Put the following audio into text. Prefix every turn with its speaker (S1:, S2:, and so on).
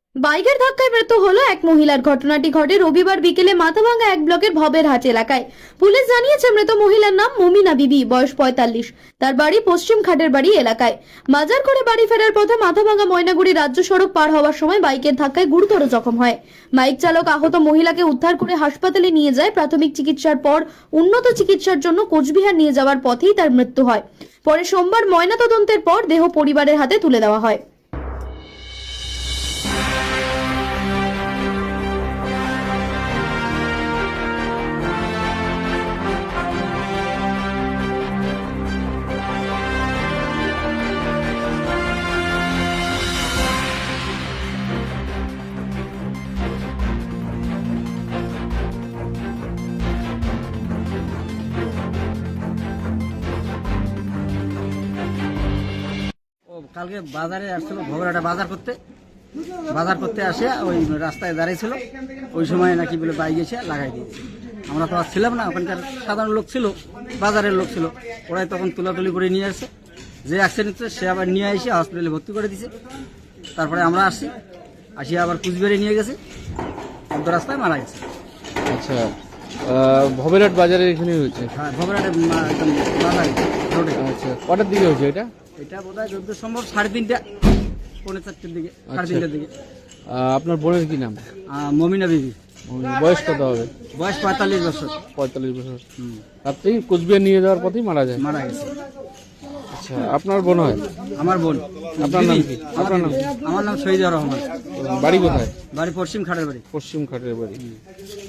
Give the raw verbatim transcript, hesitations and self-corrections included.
S1: বাইকের ধাক্কায় মৃত্যু হলো এক মহিলার। ঘটনাটি ঘটে রবিবার বিকেলে মাথাভাঙ্গা এক ব্লকের ভবেরহাট এলাকায়। পুলিশ জানিয়েছে মৃত মহিলার নাম মমিনা বিবি, বয়স পঁয়তাল্লিশ। তার বাড়ি পশ্চিম খাটের বাড়ি এলাকায়। বাজার করে বাড়ি ফেরার পথে মাথাভাঙ্গা ময়নাগুড়ি রাজ্য সড়ক পার হওয়ার সময় বাইকের ধাক্কায় গুরুতর জখম হয়। বাইক চালক আহত মহিলাকে উদ্ধার করে হাসপাতালে নিয়ে যায়। প্রাথমিক চিকিৎসার পর উন্নত চিকিৎসার জন্য কোচবিহার নিয়ে যাওয়ার পথেই তার মৃত্যু হয়। পরে সোমবার ময়নাতদন্তের পর দেহ পরিবারের হাতে তুলে দেওয়া হয়।
S2: ও কালকে বাজারে আসছিল, ভবরাটা বাজার করতে বাজার করতে আসে ওই রাস্তায় দাঁড়িয়েছিল। ওই সময় নাকি বলে বাইক এসে লাগাই দিয়েছে। আমরা তো আর ছিলাম না, ওখানকার সাধারণ লোক ছিল, বাজারের লোক ছিল। ওরাই তখন তুলাতুলি করে নিয়ে আসছে। যে অ্যাক্সিডেন্ট হচ্ছে সে আবার নিয়ে এসে হসপিটালে ভর্তি করে দিয়েছে। তারপরে আমরা আসি আসি আবার কুচবিহারে নিয়ে গেছে, অর্ধ রাস্তায় মারা গেছে।
S3: আচ্ছা, আহ, ভবেরহাট বাজারে এখানে হয়েছে।
S2: হ্যাঁ, ভবরাটে বাজারে রোডে।
S3: আচ্ছা, কটার দিকে হয়েছে এটা?
S2: এটা বোধ হয় যত সম্ভব সাড়ে তিনটা, পৌনে চারটের দিকে, সাড়ে
S3: আচ্ছা।
S2: তিনটার দিকে।
S3: আহ, আপনার বোনের কি নাম?
S2: আহ, মমিনা বিবি,
S3: বয়স কত হবে?
S2: বয়স পঁয়তাল্লিশ বছর।
S3: পঁয়তাল্লিশ বছর।
S2: হুম,
S3: আপনি কোচবিহার নিয়ে যাওয়ার পথেই মারা যায়।
S2: মারা গেছে।
S3: আচ্ছা, আপনার বোন হয়?
S2: আমার বোন।
S3: আপনার নাম কি?
S2: আমার
S3: আপনার নাম?
S2: আমার নাম শহীদুর রহমান।
S3: বাড়ি কোথায়?
S2: বাড়ি পশ্চিম খাটের বাড়ি।
S3: পশ্চিম খাটের বাড়ি।